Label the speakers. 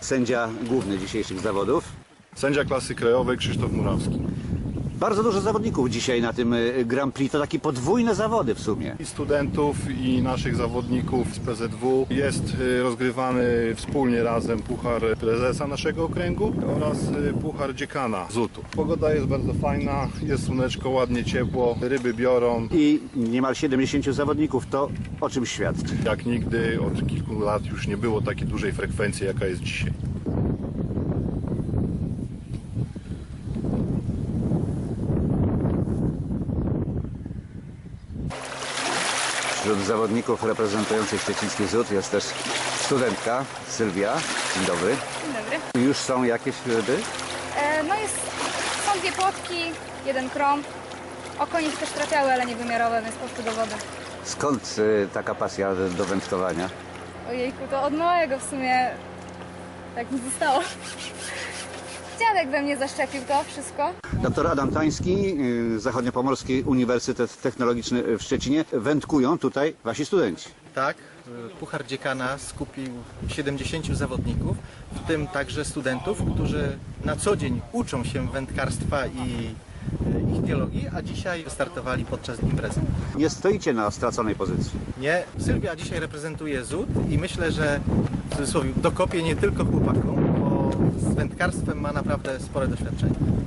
Speaker 1: sędzia główny dzisiejszych zawodów.
Speaker 2: Sędzia klasy krajowej Krzysztof Murawski.
Speaker 1: Bardzo dużo zawodników dzisiaj na tym Grand Prix, to takie podwójne zawody w sumie.
Speaker 2: I studentów, i naszych zawodników z PZW. Jest rozgrywany wspólnie razem puchar prezesa naszego okręgu oraz puchar dziekana ZUT-u. Pogoda jest bardzo fajna, jest słoneczko, ładnie ciepło, ryby biorą.
Speaker 1: I niemal 70 zawodników, to o czym świadczy?
Speaker 2: Jak nigdy od kilku lat już nie było takiej dużej frekwencji, jaka jest dzisiaj.
Speaker 1: Wśród zawodników reprezentujących szczeciński ZUT jest też studentka Sylwia. Dzień dobry.
Speaker 3: Dzień dobry.
Speaker 1: Już są jakieś ryby?
Speaker 3: Są dwie płotki, jeden krąg. Okonie też trafiały, ale niewymiarowe, więc poszły do wody.
Speaker 1: Skąd taka pasja do wędkowania?
Speaker 3: Ojejku, to od małego w sumie tak mi zostało. Dziadek we mnie zaszczepił to wszystko.
Speaker 1: Doktor Adam Tański, Zachodniopomorski Uniwersytet Technologiczny w Szczecinie. Wędkują tutaj wasi studenci.
Speaker 4: Tak, Puchar Dziekana skupił 70 zawodników, w tym także studentów, którzy na co dzień uczą się wędkarstwa i ichtiologii, a dzisiaj wystartowali podczas imprezy.
Speaker 1: Nie stoicie na straconej pozycji.
Speaker 4: Nie, Sylwia dzisiaj reprezentuje ZUT i myślę, że w cudzysłowie dokopie nie tylko chłopakom, bo z wędkarstwem ma naprawdę spore doświadczenie.